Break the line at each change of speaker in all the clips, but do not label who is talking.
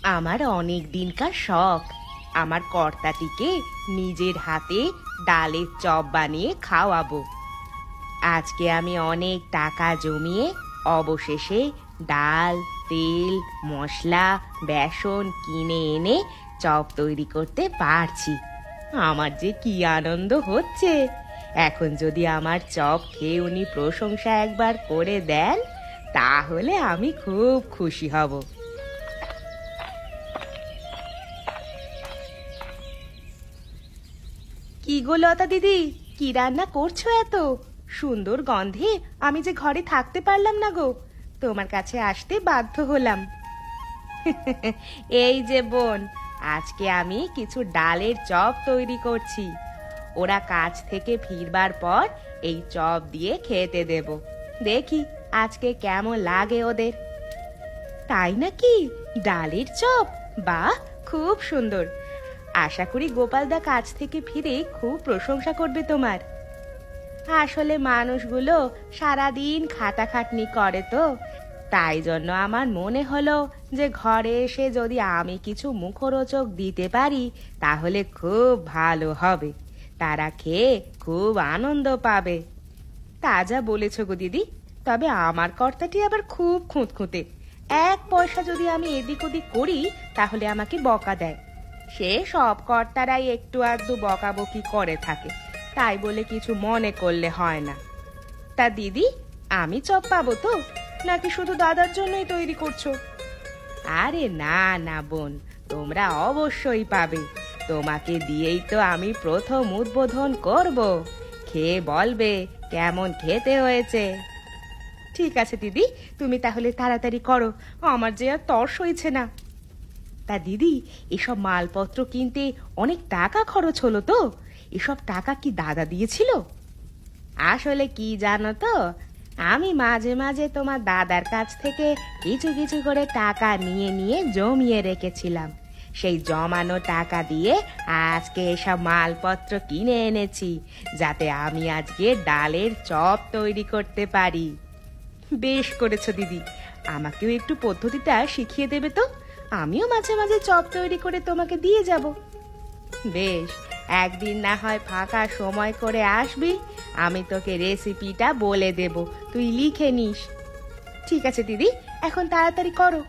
আমার অনেক দিনকার শখ আমার কর্তাটিকে নিজের হাতে ডালের চপ বানিয়ে খাওয়াবো। আজকে আমি অনেক টাকা জমিয়ে অবশেষে ডাল, তেল, মশলা, বেসন কিনে এনে চপ তৈরি করতে পারছি। আমার যে কি আনন্দ হচ্ছে! এখন যদি আমার চপ খেয়ে উনি প্রশংসা একবার করে দেন তাহলে আমি খুব খুশি হব। কি গো লতা দিদি, কি রান্না করছো এত সুন্দর গন্ধে? আমি যে ঘরে থাকতে পারলাম না গো, তোমার কাছে আসতে বাধ্য হলাম। এই যে বোন, আজকে আমি কিছু ডালের চপ তৈরি করছি। ওরা কাজ থেকে ফিরবার পর এই চপ দিয়ে খেতে দেব। দেখি আজকে কেমন লাগে ওদের। তাই নাকি? ডালের চপ? বাহ, খুব সুন্দর। আশা করি গোপালদা কাজ থেকে ফিরে খুব প্রশংসা করবে তোমার। আসলে মানুষগুলো সারাদিন খাটাখাটনি করে তো, তাই জন্য আমার মনে হলো যে ঘরে এসে যদি আমি কিছু মুখরোচক দিতে পারি তাহলে খুব ভালো হবে। তারা খেয়ে খুব আনন্দ পাবে। তা যা বলেছ গো দিদি, তবে আমার কর্তাটি আবার খুব খুঁতখুঁতে। এক পয়সা যদি আমি এদিক ওদিক করি তাহলে আমাকে বকা দেয়। সে সব কর্তারাই একটু আধটু বকাবকি করে থাকে, তাই বলে কিছু মনে করলে হয় না। তা দিদি, আমি চপ পাবো তো, নাকি শুধু দাদার জন্যই তৈরি করছো? আরে না না বোন, তোমরা অবশ্যই পাবে। তোমাকে দিয়েই তো আমি প্রথম উদ্বোধন করব। খেয়ে বলবে কেমন খেতে হয়েছে। ঠিক আছে দিদি, তুমি তাহলে তাড়াতাড়ি করো, আমার যে আর তর সইছে না। তা দিদি, এসব মালপত্র কিনতে অনেক টাকা খরচ হলো তো? এসব টাকা কি দাদা দিয়েছিল? আসলে কি জানো তো, আমি মাঝে মাঝে তোমার দাদার কাছ থেকে কিছু কিছু করে টাকা নিয়ে নিয়ে জমিয়ে রেখেছিলাম। সেই জমানো টাকা দিয়ে আজকে এসব মালপত্র কিনে এনেছি, যাতে আমি আজকে ডালের চপ তৈরি করতে পারি। বেশ করেছো দিদি, আমাকেও একটু পদ্ধতিটা শিখিয়ে দেবে তো? আমিও মাঝে মাঝে চপ তৈরি করে তোমাকে দিয়ে যাব। বেশ, একদিন না হয় ফাঁকা সময় করে আসবি, আমি তোকে রেসিপিটা বলে দেব, তুই লিখে নিস। ঠিক আছে দিদি, এখন তাড়াতাড়ি করো।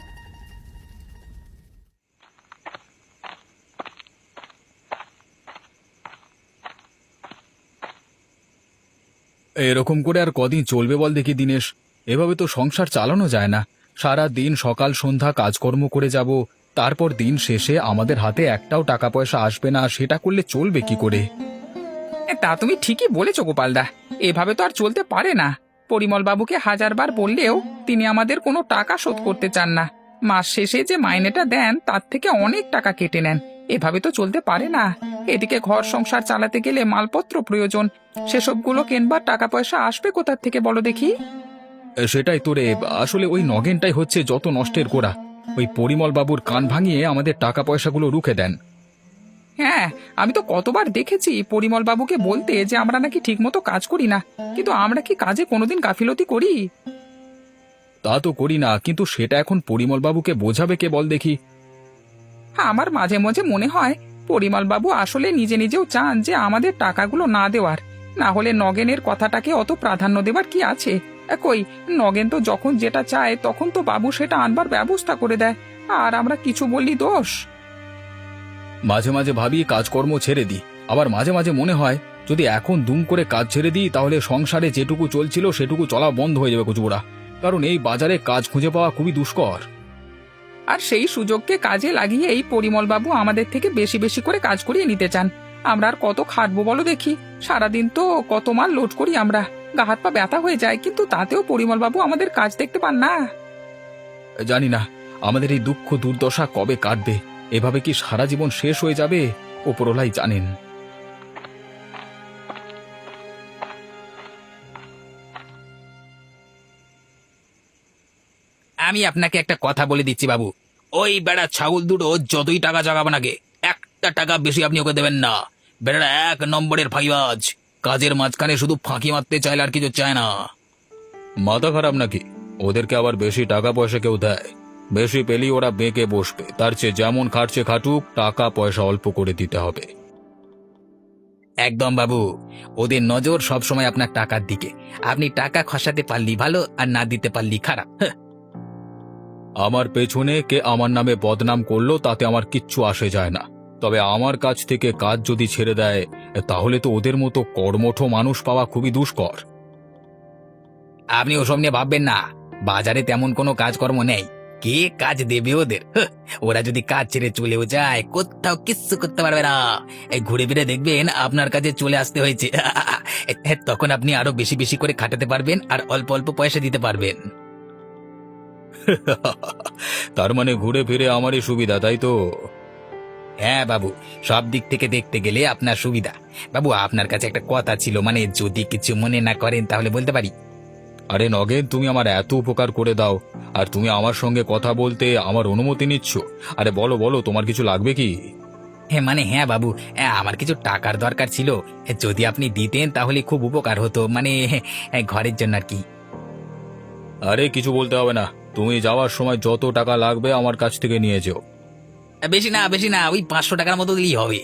এরকম করে আর কদিন চলবে বল দেখি দিনেশ? এভাবে তো সংসার চালানো যায় না। সারা দিন সকাল সন্ধ্যা কাজকর্ম করে যাব, তারপর দিন শেষে আমাদের হাতে একটাও টাকা পয়সা আসবে না, সেটা করলে চলবে কি করে?
তা তুমি ঠিকই বলেছো গোপালদা, এভাবে তো আর চলতে পারে না। পরিমল বাবুকে হাজারবার বললেও তিনি আমাদের কোনো টাকা শোধ করতে চান না। মাস শেষে যে মাইনেটা দেন তার থেকে অনেক টাকা কেটে নেন। এভাবে তো চলতে পারে না। এদিকে ঘর সংসার চালাতে গেলে মালপত্র প্রয়োজন, সেসবগুলো কেনবার টাকা পয়সা আসবে কোথার থেকে বলো দেখি?
সেটাই তো রে, আসলে ওই নগেনটাই হচ্ছে যত নষ্টের গোড়া। ওই পরিমল বাবুর কান ভাঙিয়ে আমাদের টাকা পয়সাগুলো রুখে দেন।
হ্যাঁ, আমি তো কতবার দেখেছি পরিমল বাবুকে বলতে যে আমরা নাকি ঠিকমতো কাজ করি না, কিন্তু আমরা কি কাজে কোনোদিন গাফিলতি করি?
তা তো করি না, কিন্তু সেটা এখন পরিমল বাবুকে বোঝাবে কে বল দেখি?
আমার মাঝে মাঝে মনে হয় পরিমল বাবু আসলে নিজে নিজেও চান যে আমাদের টাকাগুলো না দেওয়ার। না হলে নগেনের কথাটাকে অত প্রাধান্য দেবার কি আছে? কই, নগেন তো যখন যেটা চায় তখন তো বাবু সেটা আনবার ব্যবস্থা করে দেয়, আর আমরা কিছু বললি দোষ?
মাঝে মাঝে ভাবি কাজকর্ম ছেড়ে দিই, আবার মাঝে মাঝে মনে হয় যদি এখন দুম করে কাজ ছেড়ে দিই তাহলে সংসারে যেটুকু চলছিল সেটুকু চলা বন্ধ হয়ে যাবে কচুবুড়া। কারণ এই বাজারে কাজ খুঁজে পাওয়া খুবই দুষ্কর।
আর সেই সুযোগকে কাজে লাগিয়ে এই পরিমল বাবু আমাদের থেকে বেশি বেশি করে কাজ করিয়ে নিতে চান। আমরা আর কত খাটবো বলো দেখি? সারাদিন তো কত মাল লোড করি আমরা, গা হাত পা ব্যথা হয়ে যায়, কিন্তু তাতেও পরিমল বাবু আমাদের কাজ দেখতে পান না।
জানি না আমাদের এই দুঃখ দুর্দশা কবে কাটবে। এভাবে কি সারা জীবন শেষ হয়ে যাবে? ওপরওয়ালাই জানেন।
আমি আপনাকে একটা কথা বলে দিচ্ছি বাবু, ওই বেড়া ছাগল দুটো যতই টাকা জাগাবো নাকি একটা টাকা বেশি আপনি ওকে দেবেন না। বেড়া এক নম্বরের ফাইবাজ, কাজের মাঝখানে শুধু ফাঁকি মারতে চাইলে আর কিছু চায় না।
মাথা খারাপ নাকি? ওদেরকে আবার বেশি টাকা পয়সা কেউ দেয়? বেশি পেলেই ওরা বেঁকে বসবে, তার চেয়ে যেমন খাটছে খাটুক, টাকা পয়সা অল্প করে দিতে হবে।
একদম বাবু, ওদের নজর সবসময় আপনার টাকার দিকে। আপনি টাকা খসাতে পারলি ভালো, আর না দিতে পারলি খারাপ। হ্যাঁ।
আমার পেছনে কে আমার নামে বদনাম করলো তাতে আমার কিচ্ছু আসে যায় না, তবে আমার কাছ থেকে কাজ যদি ছেড়ে দেয় তাহলে তো ওদের মতো কর্মঠ মানুষ পাওয়া খুবই দুষ্কর।
আপনি ওসব নিয়ে ভাববেন না, বাজারে তেমন কোনো কাজকর্ম নেই। কে কাজ দেবে ওদের? হ্যাঁ, ওরা যদি কাজ ছেড়ে চলেও যায়, কোথাও কিচ্ছু করতে পারবে না। এই ঘুরে ফিরে দেখবেন আপনার কাছে চলে আসতে হয়েছে। তখন আপনি আরো বেশি বেশি করে খাটাতে পারবেন আর অল্প অল্প পয়সা দিতে পারবেন।
তার মানে ঘুরে ফিরে আমারই সুবিধা, তাই তো?
হ্যাঁ বাবু, সব দিক থেকে দেখতে গেলে আপনার সুবিধা। বাবু, আপনার কাছে একটা কথা ছিল, মানে যদি কিছু মনে না করেন তাহলে বলতে পারি?
আরে নগেন, তুমি আমার এত উপকার করে দাও, আর তুমি আমার সঙ্গে কথা বলতে আমার অনুমতি নিচ্ছ? আরে বলো বলো, তোমার কিছু লাগবে কি?
হ্যাঁ বাবু, আমার কিছু টাকার দরকার ছিল। যদি আপনি দিতেন তাহলে খুব উপকার হতো, মানে ঘরের জন্য আর কি।
আরে কিছু বলতে হবে না, তুমি যাওয়ার সময় যত টাকা লাগবে আমার কাছ থেকে নিয়ে যেও।
বেশি না বেশি না, ওই 500 টাকার মতো দিলেই হবে।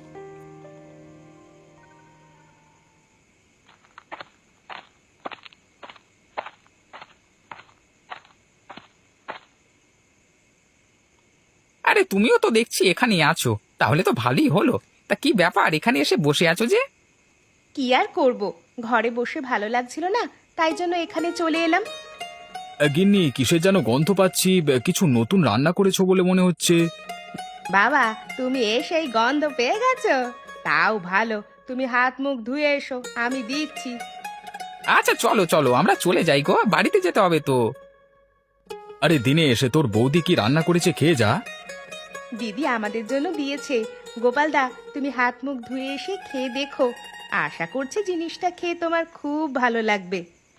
আরে তুমিও তো দেখছি এখানেই আছো, তাহলে তো ভালোই হলো। তা কি ব্যাপার, এখানে এসে বসে আছো যে?
কি আর করব, ঘরে বসে ভালো লাগছিল না, তাই জন্য এখানে চলে এলাম।
গিন্নি, কিসের যেন গন্ধ পাচ্ছি, কিছু নতুন রান্না করেছো বলে মনে হচ্ছে।
বাবা, তুমি এসেই গন্ধ পেয়ে গেছো? তাও ভালো, তুমি হাত মুখ ধুয়ে এসো, আমি দিচ্ছি।
আচ্ছা চলো চলো, আমরা চলে যাই গো, বাড়িতে যেতে হবে তো।
আরে দিনে এসে তোর বৌদি কি রান্না করেছে, খেয়ে যা।
দিদি আমাদের জন্য দিয়েছে। গোপালদা, তুমি হাত মুখ ধুয়ে এসে খেয়ে দেখো, আশা করছি জিনিসটা খেয়ে তোমার খুব ভালো লাগবে।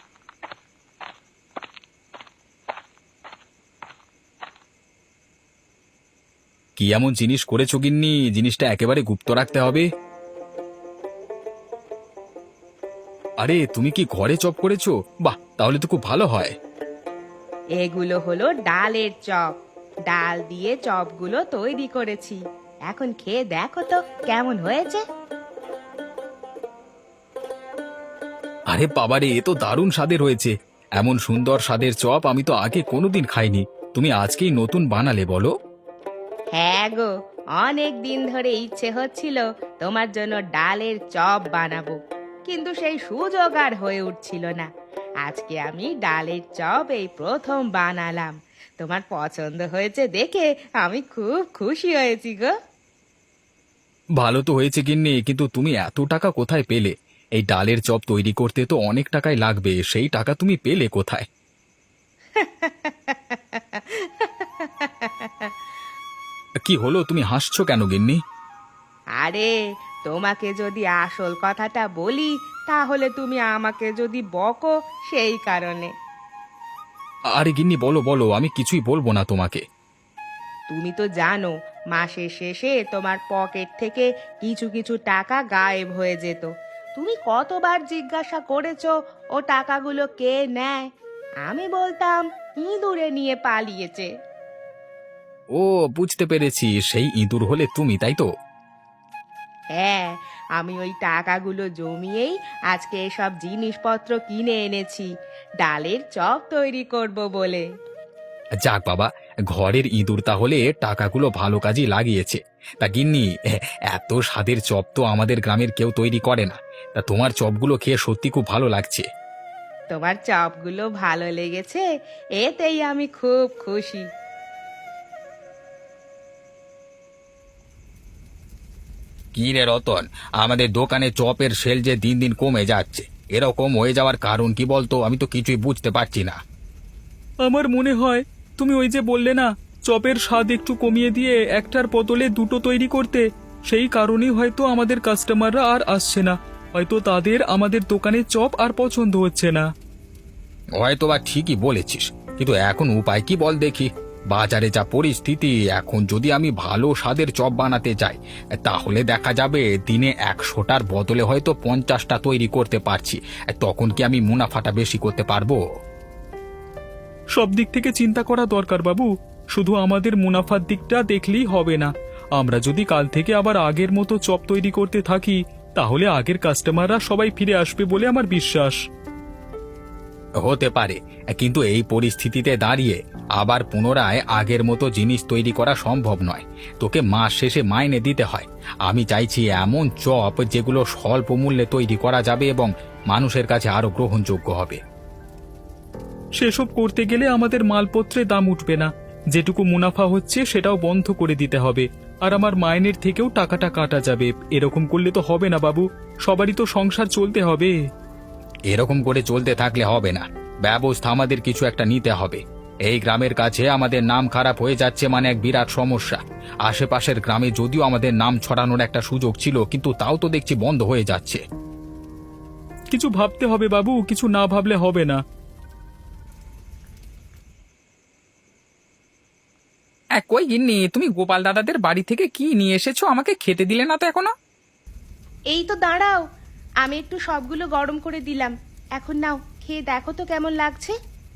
কি এমন জিনিস করেছো গিন্নি, জিনিসটা একেবারে গুপ্ত রাখতে হবে। আরে তুমি কি ঘরে চপ করেছো? বাহ, তাহলে তো খুব ভালো হয়।
এগুলো হলো ডালের চপ, ডাল দিয়ে চপগুলো তৈরি করেছি। এখন খেয়ে দেখো তো কেমন হয়েছে।
আরে বাবারে, এ তো দারুণ স্বাদের হয়েছে। এমন সুন্দর স্বাদের চপ আমি তো আগে কোনোদিন খাইনি। তুমি আজকেই নতুন বানালে বলো?
হ্যাঁ গো, অনেক দিন ধরে ইচ্ছে হচ্ছিল তোমার জন্য ডালের চপ বানাবো, কিন্তু সেই সুযোগ আর হয়ে উঠছিল না। আজকে আমি ডালের চপ এই প্রথম বানালাম। তোমার পছন্দ হয়েছে দেখে আমি খুব খুশি হয়েছি গো।
ভালো তো হয়েছে গিন্নি, কিন্তু তুমি এত টাকা কোথায় পেলে? এই ডালের চপ তৈরি করতে তো অনেক টাকাই লাগবে, সেই টাকা তুমি পেলে কোথায়? কি হলো, তুমি হাসছো কেন গিন্নি?
আরে, তোমাকে যদি আসল কথাটা বলি তাহলে তুমি আমাকে যদি বকো, সেই কারণে।
আরে গিন্নি, বলো বলো, আমি কিছুই বলবো না তোমাকে।
তুমি তো জানো মাসের শেষে তোমার পকেট থেকে কিছু কিছু টাকা গায়েব হয়ে যেত। তুমি কতবার জিজ্ঞাসা করেছো ও টাকাগুলো কে নেয়? আমি বলতাম ইঁদুরে নিয়ে পালিয়েছে।
ও, বুঝতে পেরেছি, সেই ইঁদুর হলে তুমি, তাই তো?
হ্যাঁ, আমি ওই টাকাগুলো জমিয়েই আজকে এসব জিনিসপত্র কিনে এনেছি, ডালের চপ তৈরি করব বলে।
যাক বাবা, ঘরের ইঁদুর তাহলে টাকাগুলো ভালো কাজই লাগিয়েছে। তা গিন্নি, এত স্বাদের চপ তো আমাদের গ্রামের কেউ তৈরি করে না। তা তোমার চপগুলো খেয়ে সত্যি খুব ভালো লাগছে।
তোমার চপগুলো ভালো লেগেছে, এতেই আমি খুব খুশি।
কি রে রতন, আমাদের দোকানে চপের সেল যে দিন দিন কমে যাচ্ছে, এরকম হয়ে যাওয়ার কারণ কি বলতো? আমি তো কিছুই বুঝতে পারছি না।
আমার মনে হয় তুমি ওই যে বললে না, চপের স্বাদ একটু কমিয়ে দিয়ে একটার বদলে দুটো তৈরি করতে, সেই কারণেই হয়তো আমাদের কাস্টমাররা আর আসছে না। হয়তো তাদের আমাদের দোকানে চপ আর পছন্দ হচ্ছে না।
হয়তো বা ঠিকই বলেছিস, কিন্তু এখন উপায় কি বল দেখি? বাজারে যা পরিস্থিতি, এখন যদি আমি ভালো স্বাদের চপ বানাতে যাই তাহলে দেখা যাবে দিনে 100টার বদলে হয়তো 50টা তৈরি করতে পারছি। তখন কি আমি মুনাফাটা বেশি করতে পারবো?
সব দিক থেকে চিন্তা করা দরকার বাবু। শুধু আমাদের মুনাফার দিকটা দেখলেই হবে না। আমরা যদি কাল থেকে আবার আগের মতো চপ তৈরি করতে থাকি তাহলে আগের কাস্টমাররা সবাই ফিরে আসবে বলে আমার বিশ্বাস।
হতে পারে, কিন্তু এই পরিস্থিতিতে দাঁড়িয়ে আবার পুনরায় আগের মতো জিনিস তৈরি করা সম্ভব নয়। তোকে মাস শেষে মাইনে দিতে হয়। আমি চাইছি এমন চপ যেগুলো স্বল্প মূল্যে তৈরি করা যাবে এবং মানুষের কাছে আরো গ্রহণযোগ্য হবে।
সেসব করতে গেলে আমাদের মালপত্রের দাম উঠবে না, যেটুকু মুনাফা হচ্ছে সেটাও বন্ধ করে দিতে হবে, আর আমার মাইনের থেকেও টাকাটা কাটা যাবে। এরকম করলে তো হবে না বাবু, সবারই তো সংসার চলতে হবে।
এরকম করে চলতে থাকলে হবে না, ব্যবস্থা আমাদের কিছু একটা নিতে হবে। এই গ্রামের কাছে আমাদের নাম খারাপ হয়ে যাচ্ছে, মানে এক বিরাট সমস্যা। আশেপাশের গ্রামে যদিও আমাদের নাম ছড়ানোর একটা সুযোগ ছিল, কিন্তু তাও তো দেখছি বন্ধ হয়ে যাচ্ছে।
কিছু ভাবতে হবে বাবু, কিছু না ভাবলে হবে না।
কই গিন্নি, তুমি গোপাল দাদাদের বাড়ি থেকে কি নিয়ে এসেছো? আমাকে খেতে দিলে না তো এখনো।
এই তো দাঁড়াও, আমি একটু সবগুলো গরম করে দিলাম, এখন নাও খেয়ে দেখো তো কেমন লাগছে।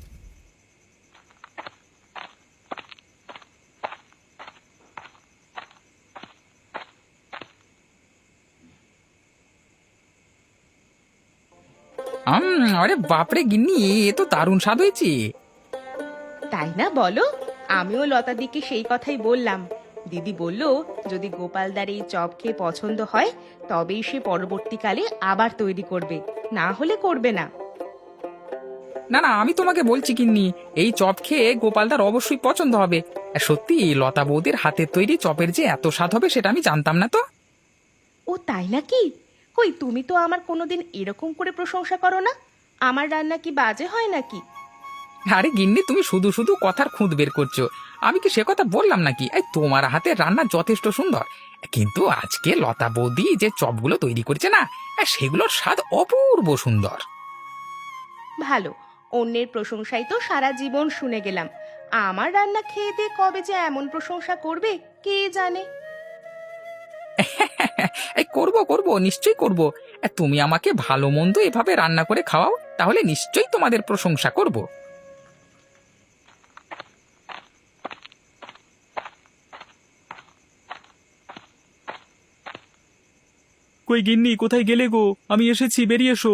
আরে বাপরে গিন্নি, এ তো দারুণ স্বাদ হয়েছে।
তাই না বলো? আমিও লতাদিকে সেই কথাই বললাম। দিদি বলল যদি গোপালদার এই চপ খেয়ে পছন্দ হয় তবেই সে পরবর্তীকালে আবার তৈরি করবে, না হলে করবে না।
না না, আমি তোমাকে বলছি গিন্নি, এই চপ খেয়ে গোপালদার অবশ্যই পছন্দ হবে। সত্যি লতা বৌদির হাতের তৈরি চপের যে এত স্বাদ হবে সেটা আমি জানতাম না তো।
ও তাই নাকি? কই তুমি তো আমার কোনোদিন এরকম করে প্রশংসা করো না। আমার রান্না কি বাজে হয় নাকি?
আরে গিন্নি, তুমি শুধু শুধু কথার খুঁত বের করছো। আমি কি সে কথা বললাম নাকি? এই তোমার হাতের রান্না যথেষ্ট সুন্দর, কিন্তু আজকে লতা বৌদি যে চপগুলো তৈরি করেছে না, সেগুলোর স্বাদ অপূর্ব সুন্দর।
ভালো, অন্যের প্রশংসাই তো সারা জীবন শুনে গেলাম। আমার রান্না খেয়ে দিয়ে কবে যে এমন প্রশংসা করবে কে জানে।
এই করব করব, নিশ্চয়ই করব। তুমি আমাকে ভালো মন্দ এভাবে রান্না করে খাওয়াও, তাহলে নিশ্চয়ই তোমাদের প্রশংসা করব।
কই গিন্নি, কোথায় গেলে গো? আমি এসেছি, বেরিয়ে এসো।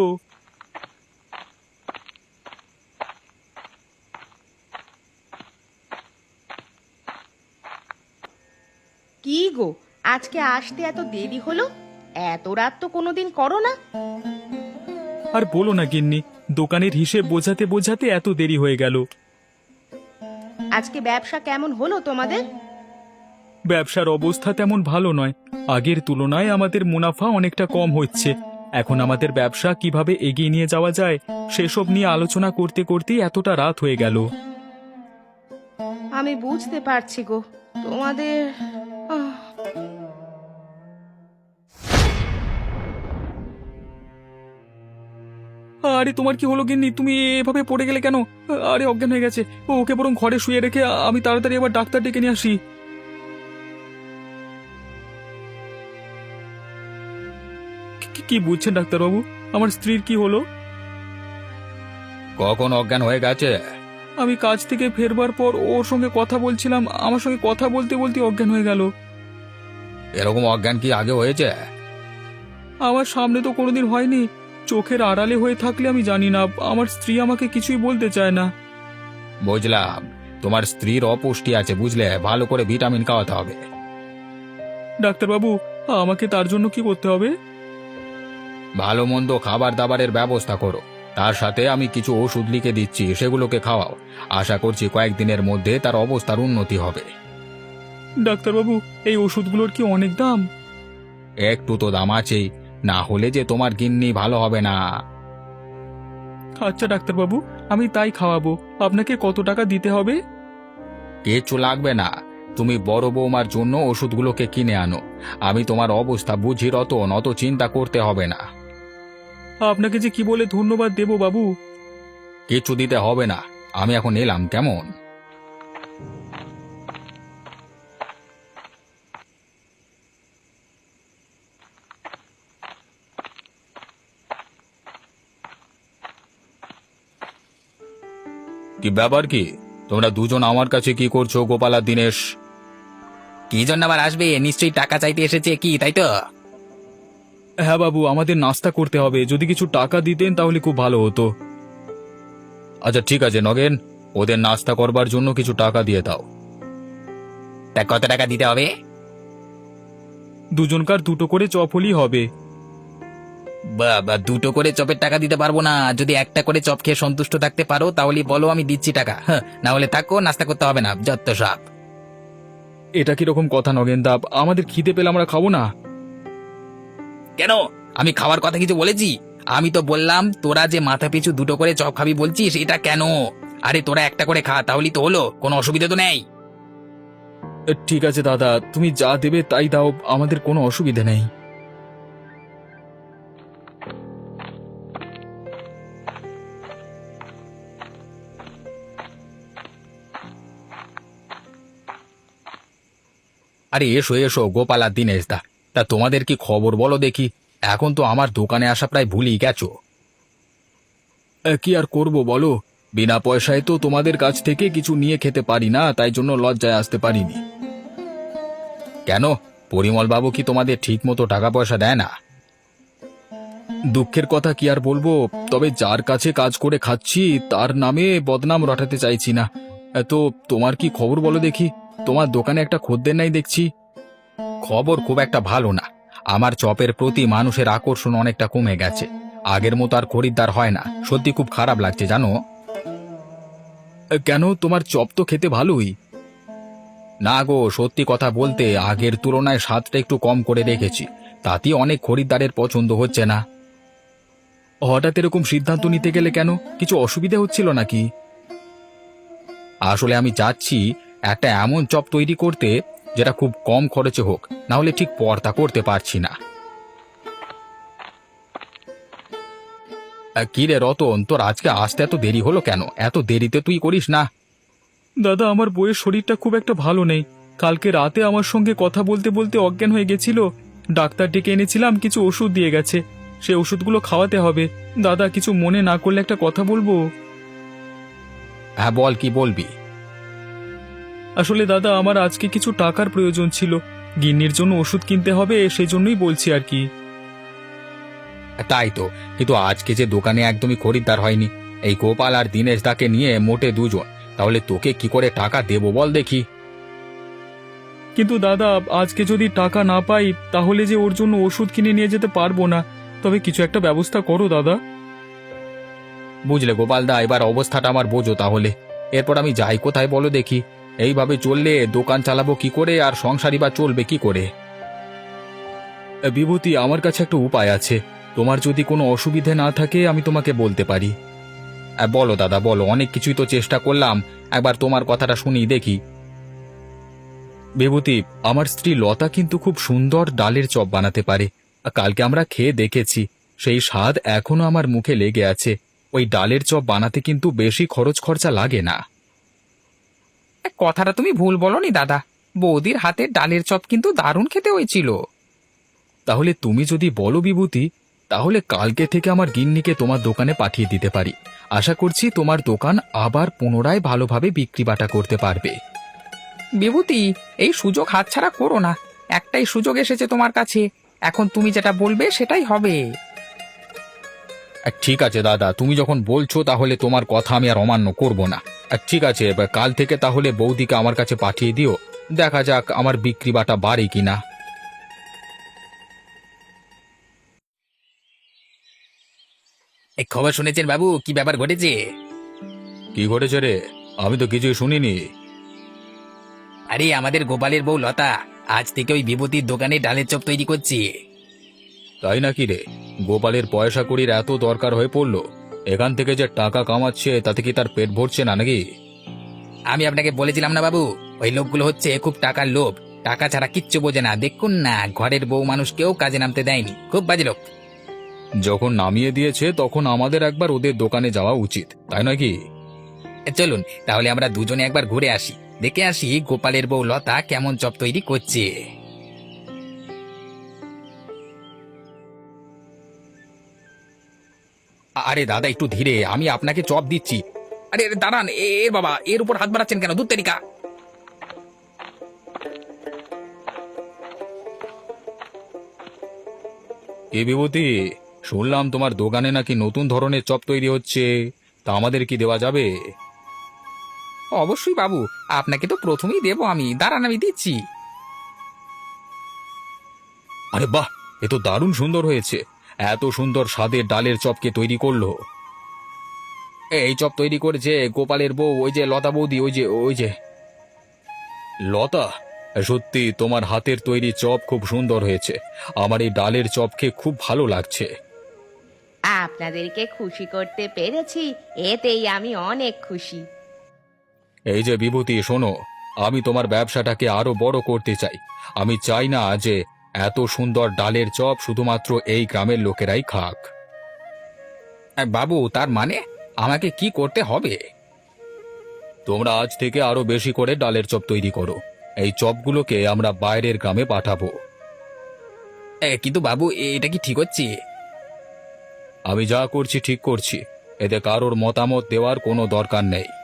কি গো, আজকে আসতে এত দেরি হলো? এত রাত তো কোনোদিন করো না।
আর বলো না গিন্নি, দোকানের হিসেব বোঝাতে বোঝাতে এত দেরি হয়ে গেল।
আজকে ব্যবসা কেমন হলো তোমাদের?
ব্যবসার অবস্থা তেমন ভালো নয়। আগের তুলনায় আমাদের মুনাফা অনেকটা কম হচ্ছে। এখন আমাদের ব্যবসা কিভাবে এগিয়ে নিয়ে যাওয়া যায় সেসব নিয়ে আলোচনা করতে করতেই এতটা রাত হয়ে গেল।
আমি বুঝতে পারছি গো তোমাদের। আহ,
আরে তোমার কি হলো গিন্নি, তুমি এভাবে পড়ে গেলে কেন? আরে অজ্ঞান হয়ে গেছে। ওকে বরং ঘরে শুয়ে রেখে আমি তাড়াতাড়ি আবার ডাক্তার ডেকে নিয়ে আসি। কি বুঝছেন ডাক্তারবাবু, আমার স্ত্রীর কি হলো?
কখন অজ্ঞান হয়ে গেছে?
আমি কাজ থেকে ফেরবার পর ওর সঙ্গে কথা বলছিলাম, আমার সঙ্গে কথা বলতে বলতে অজ্ঞান হয়ে গেল।
এরকম অজ্ঞান কি আগে হয়েছে?
আমার সামনে তো কোনোদিন হয়নি। চোখের আড়ালে হয়ে থাকলে আমি জানি না। আমার স্ত্রী আমাকে কিছুই বলতে চায় না।
বুঝলাম, তোমার স্ত্রীর অপুষ্টি আছে, বুঝলে, ভালো করে ভিটামিন খাওয়াতে হবে।
ডাক্তারবাবু, আমাকে তার জন্য কি করতে হবে?
ভালো মন্দ খাবার দাবারের ব্যবস্থা করো, তার সাথে আমি কিছু ওষুধ লিখে দিচ্ছি, সেগুলোকে খাওয়াও। আশা করছি কয়েকদিনের মধ্যে তার অবস্থার উন্নতি হবে।
ডাক্তারবাবু, এই ওষুধগুলোর কি অনেক দাম?
একটু তো দাম আছেই, না হলে যে তোমার গিন্নি ভালো হবে না।
আচ্ছা ডাক্তারবাবু, আমি তাই খাওয়াবো। আপনাকে কত টাকা দিতে হবে?
কিচ্ছু লাগবে না, তুমি বড় বৌমার জন্য ওষুধগুলোকে কিনে আনো। আমি তোমার অবস্থা বুঝি রতন, অত চিন্তা করতে হবে না।
আপনাকে যে কি বলে ধন্যবাদ দেব বাবু।
কিচ্ছু দিতে হবে না, আমি এখন এলাম, কেমন? কি ব্যাপার, কি
তোমরা দুজন আমার কাছে কি করছো গোপাল আর দিনেশ?
কি জন্য আবার আসবে? নিশ্চয়ই টাকা চাইতে এসেছে কি, তাই তো?
হ্যাঁ বাবু, আমাদের নাস্তা করতে হবে, যদি কিছু টাকা দিতেন তাহলে খুব ভালো হতো। আচ্ছা ঠিক আছে নগেন, ওদের নাস্তা করবার জন্য কিছু টাকা দিয়ে দাও।
তা কত টাকা দিতে হবে?
দুজনকার দুটো করে চপ হলেই হবে।
বাবা, দুটো করে চপের টাকা দিতে পারবো না। যদি একটা করে চপ খেয়ে সন্তুষ্ট থাকতে পারো তাহলে বলো, আমি দিচ্ছি টাকা। হ্যাঁ, না হলে থাকো, নাস্তা করতে হবে না, যত সব।
এটা কিরকম কথা নগেন দা? আমাদের খিদে পেলে আমরা খাবো না?
কেন? আমি খাওয়ার কথা কিছু বলেছি? আমি তো বললাম তোরা যে মাথা পিছু দুটো করে চপ খাবি বলছিস, এটা কেন? আরে তোরা একটা করে খা, তাহলেই তো হলো, কোনো অসুবিধা তো নেই।
ঠিক আছে দাদা, তুমি যা দেবে তাই দাও, আমাদের কোনো অসুবিধা নেই। আরে এসো এসো গোপাল আর দিনেশ দা, তা তোমাদের কি খবর বলো দেখি? এখন তো আমার দোকানে আসা প্রায় ভুলেই গেছো। কি আর করব বলো, বিনা পয়সায় তো তোমাদের কাছ থেকে কিছু নিয়ে খেতে পারি না, তাই জন্য লজ্জায় আসতে পারিনি। কেন, পরিমল বাবু কি তোমাদের ঠিক মতো টাকা পয়সা দেয় না? দুঃখের কথা কি আর বলবো, তবে যার কাছে কাজ করে খাচ্ছি তার নামে বদনাম রটাতে চাইছি না। তো তোমার কি খবর বলো দেখি? তোমার দোকানে একটা খদ্দের নাই দেখছি। খবর খুব একটা ভালো না। আমার চপের প্রতি মানুষের আকর্ষণ অনেকটা কমে গেছে। আগের মতো আর খরিদ্দার হয় না, সত্যি খুব খারাপ লাগছে জানো। কেন, তোমার চপ তো খেতে ভালোই। না গো, সত্যি কথা বলতে আগের তুলনায় স্বাদটা একটু কম করে রেখেছি, তাতে অনেক খরিদ্দারের পছন্দ হচ্ছে না। হঠাৎ এরকম সিদ্ধান্ত নিতে গেলে কেন? কিছু অসুবিধা হচ্ছিল নাকি? আসলে আমি চাচ্ছি একটা এমন চপ তৈরি করতে যেটা খুব কম খরচে হোক, না হলে ঠিক পর্তা করতে পারছি না। কি রে রতন, তোর আজকে আসতে এত দেরি হলো কেন? এত দেরিতে তুই করিস না? দাদা, আমার বউয়ের শরীরটা খুব একটা ভালো নেই। কালকে রাতে আমার সঙ্গে কথা বলতে বলতে অজ্ঞান হয়ে গেছিল। ডাক্তার ডেকে এনেছিলাম, কিছু ওষুধ দিয়ে গেছে, সে ওষুধগুলো খাওয়াতে হবে। দাদা, কিছু মনে না করলে একটা কথা বলবো? হ্যাঁ বল, কি বলবি? আসলে দাদা, আমার আজকে কিছু টাকার প্রয়োজন ছিল, গিন্নির জন্য ওষুধ কিনতে হবে, সেই জন্যই বলছি আর কি। তাই তো, কিন্তু আজকে যে দোকানে একদমই খরিদ্দার হয়নি, এই গোপাল আর দিনেশ দাকে নিয়ে মোটে দুজন, তাহলে তোকে কি করে টাকা দেবো বল দেখি? কিন্তু দাদা, আজকে যদি টাকা না পাই তাহলে যে ওর জন্য ওষুধ কিনে নিয়ে যেতে পারবো না। তবে কিছু একটা ব্যবস্থা করো দাদা। বুঝলে গোপাল দা, এবার অবস্থাটা আমার বোঝো তাহলে। এরপর আমি যাই কোথায় বলো দেখি? এইভাবে চললে দোকান চালাবো কি করে, আর সংসারই বা চলবে কি করে? বিভূতি, আমার কাছে একটা উপায় আছে। তোমার যদি কোনো অসুবিধে না থাকে আমি তোমাকে বলতে পারি। বলো দাদা বলো, অনেক কিছুই তো চেষ্টা করলাম, একবার তোমার কথাটা শুনি দেখি। বিভূতি, আমার স্ত্রী লতা কিন্তু খুব সুন্দর ডালের চপ বানাতে পারে। কালকে আমরা খেয়ে দেখেছি, সেই স্বাদ এখনো আমার মুখে লেগে আছে। ওই ডালের চপ বানাতে কিন্তু বেশি খরচ খরচা লাগে না।
কথাটা তুমি ভুল বলনি দাদা, বৌদির হাতে ডালের চপ কিন্তু দারুণ খেতে হয়েছিল।
তাহলে তুমি যদি বলো বিভূতি, তাহলে কালকে থেকে আমার গিন্নিকে তোমার দোকানে পাঠিয়ে দিতে পারি। আশা করছি তোমার দোকান আবার পুনরায় ভালোভাবে বিক্রি বাটা করতে পারবে।
বিভূতি, এই সুযোগ হাতছাড়া করো না। একটাই সুযোগ এসেছে তোমার কাছে, এখন তুমি যেটা বলবে সেটাই হবে।
ঠিক আছে দাদা, তুমি যখন বলছো তাহলে তোমার কথা আমি আর অমান্য করব না। ঠিক আছে, এবার কাল থেকে তাহলে বৌদিকে আমার কাছে পাঠিয়ে দিও, দেখা যাক আমার বিক্রি বাটা বাড়ে কিনা।
এই খবর শুনেছেন বাবু? কি ব্যাপার ঘটেছে?
কি ঘটেছে রে? আমি তো কিছুই শুনিনি।
আরে আমাদের গোপালের বউ লতা আজ থেকে ওই বিভূতির দোকানে ডালের চপ তৈরি করছে।
তাই নাকি রে? গোপালের পয়সা কড়ির এত দরকার হয়ে পড়লো? এখান থেকে যে টাকা কামাচ্ছে তাতে কি তার পেট ভরছে না নাকি?
আমি আপনাকে বলেছিলাম না বাবু, ওই লোকগুলো হচ্ছে খুব টাকার লোভ, টাকা ছাড়া কিচ্ছু বোঝে না। দেখুন না, ঘরের বউ মানুষকেও কাজে নামতে দেয়নি, খুব বাজে লোক।
যখন নামিয়ে দিয়েছে তখন আমাদের একবার ওদের দোকানে যাওয়া উচিত, তাই নয় কি?
চলুন তাহলে আমরা দুজনে একবার ঘুরে আসি, দেখে আসি গোপালের বউ লতা কেমন চপ তৈরি করছে।
আরে দাদা একটু ধীরে, আমি আপনাকে চপ দিচ্ছি।
আরে আরে, দাঁড়ান বাবা, এর উপর হাত বাড়াচ্ছেন কেন? দূর তেরিকা।
এ বিভূতি, শুনলাম তোমার দোকানে নাকি নতুন ধরনের চপ তৈরি হচ্ছে, তা আমাদের কি দেওয়া যাবে?
অবশ্যই বাবু, আপনাকে তো প্রথমেই দেবো আমি। দাঁড়ান, আমি দিচ্ছি।
আরে বাহ, এ তো দারুণ সুন্দর হয়েছে। এত সুন্দর স্বাদের ডালের চপকে তৈরি করলো। এই চপ তৈরি করেছে গোপালের বউ, ওই যে লতা বৌদি, ওই যে লতা। সত্যি তোমার হাতের তৈরি চপ খুব সুন্দর হয়েছে। আমার এই ডালের চপ খেয়ে খুব ভালো লাগছে।
আপনাদেরকে খুশি করতে পেরেছি, এতেই আমি অনেক খুশি।
এই যে বিভূতি, শোনো, আমি তোমার ব্যবসাটাকে আরো বড় করতে চাই। আমি চাই না যে এত সুন্দর ডালের চপ শুধুমাত্র এই গ্রামের লোকেরাই খাক।
বাবু, তার মানে আমাকে কি করতে হবে?
তোমরা আজ থেকে আরো বেশি করে ডালের চপ তৈরি করো। এই চপগুলোকে আমরা বাইরের গ্রামে পাঠাবো।
কিন্তু বাবু, এটা কি ঠিক হচ্ছে?
আমি যা করছি ঠিক করছি, এতে কারোর মতামত দেওয়ার কোনো দরকার নেই।